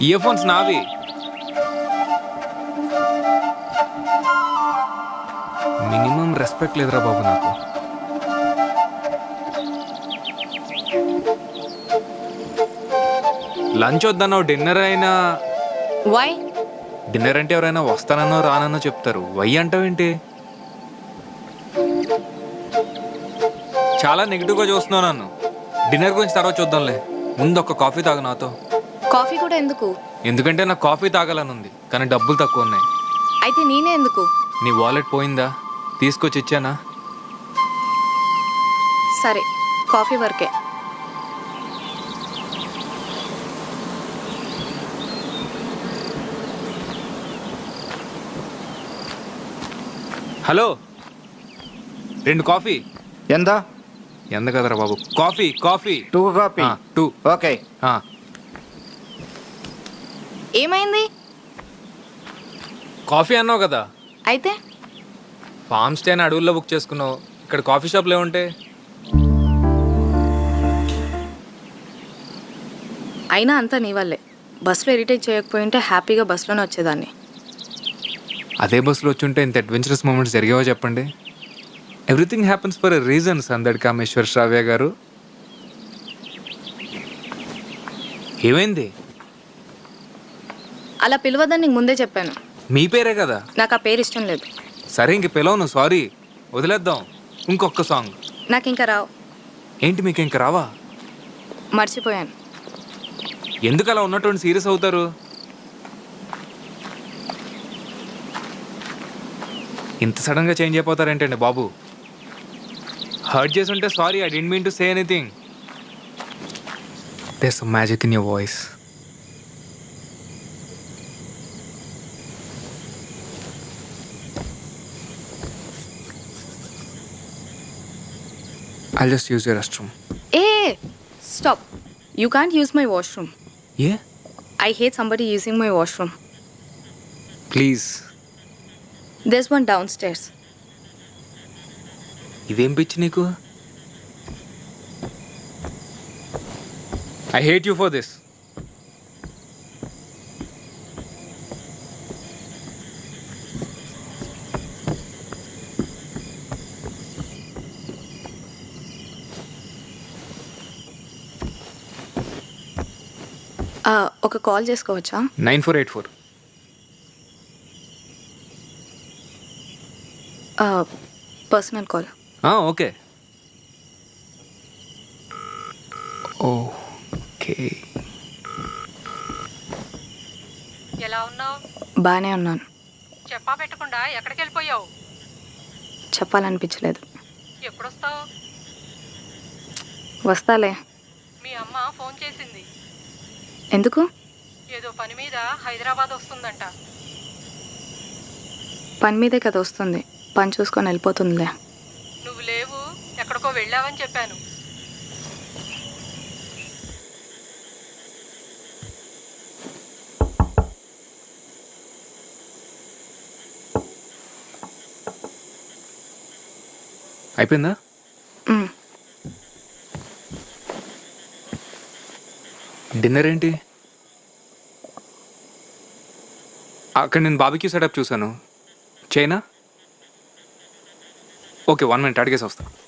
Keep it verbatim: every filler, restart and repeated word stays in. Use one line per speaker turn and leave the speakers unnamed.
Year earphones నావి. Minimum respect లేదురా బాబు నాకు. లంచ్ వద్దన్నావు, డిన్నర్ అయినా.
వై?
డిన్నర్ అంటే ఎవరైనా వస్తానన్నో రానన్నో చెప్తారు, వై అంటావేంటి? చాలా నెగిటివ్గా చూస్తున్నావు నన్ను. డిన్నర్ గురించి తర్వాత చూద్దాంలే, ముందు ఒక కాఫీ తాగు నాతో.
కాఫీ కూడా ఎందుకు?
ఎందుకంటే నాకు కాఫీ తాగాలని ఉంది, కానీ డబ్బులు తక్కువ ఉన్నాయి.
అయితే నేనే ఎందుకు?
నీ వాలెట్ పోయిందా? తీసుకొచ్చి ఇచ్చానా?
సరే, కాఫీ వరకే.
హలో, రెండు కాఫీ.
ఎంత?
ఎంత కదరా బాబు? Coffee coffee
two coffee.
Two.
Okay.
ఏమైంది?
కాఫీ అన్నావు కదా.
అయితే
ఫామ్ స్టే అని అడవుల్లో బుక్ చేసుకున్నావు, ఇక్కడ కాఫీ షాప్లో ఏముంటే?
అయినా అంతా నీ వల్లే. బస్సులో ఇరిటేట్ చేయకపోయింటే హ్యాపీగా బస్సులోనే వచ్చేదాన్ని.
అదే బస్సులో వచ్చుంటే ఇంత అడ్వెంచరస్ మూమెంట్స్ జరిగేవో చెప్పండి. Everything happens for a reason సందడి కామేశ్వర్ శ్రావ్య గారు. ఏమైంది?
అలా పిలవద్దని నీకు ముందే చెప్పాను.
మీ పేరే కదా.
నాకు ఆ పేరు ఇష్టం లేదు.
సరే ఇంక పిలవను, సారీ, వదిలేద్దాం. ఇంకొక సాంగ్.
నాకు ఇంకా రావు.
ఏంటి మీకు ఇంక రావా?
మర్చిపోయాను.
ఎందుకు అలా ఉన్నటువంటి సీరియస్ అవుతారు? ఇంత సడన్గా చేంజ్ అయిపోతారేంటండి బాబు? హర్ట్ చేసి ఉంటే sorry, I didn't mean to say anything. There some magic in your voice. I'll just use your restroom.
Hey, stop. You can't use my washroom.
Yeah?
I hate somebody using my washroom.
Please.
There's one downstairs.
ఇదేం పిచ్చి నీకు? I hate you for this.
ఒక call చేసుకోవచ్చా?
Nine four eight four.
Personal call.
Okay okay.
ఎలా ఉన్నావు?
బాగానే ఉన్నాను.
చెప్పా పెట్టకుండా ఎక్కడికి వెళ్ళిపోయావు?
చెప్పాలనిపించలేదు.
ఎప్పుడొస్తావు?
వస్తాలే.
మీ అమ్మ ఫోన్ చేసింది.
ఎందుకు?
ఏదో పని మీద హైదరాబాద్ వస్తుందంట.
పని మీదే కదా వస్తుంది, పని చూసుకొని వెళ్ళిపోతుందిలే.
నువ్వు లేవు, ఎక్కడికో వెళ్ళావని చెప్పాను.
అయిపోయిందా? డిన్నర్ ఏంటి? అక్కడ నేను బాబీక్యూ సెటప్ చూసాను, చైనా. ఓకే, వన్ మినిట్ అడిగేసి వస్తా.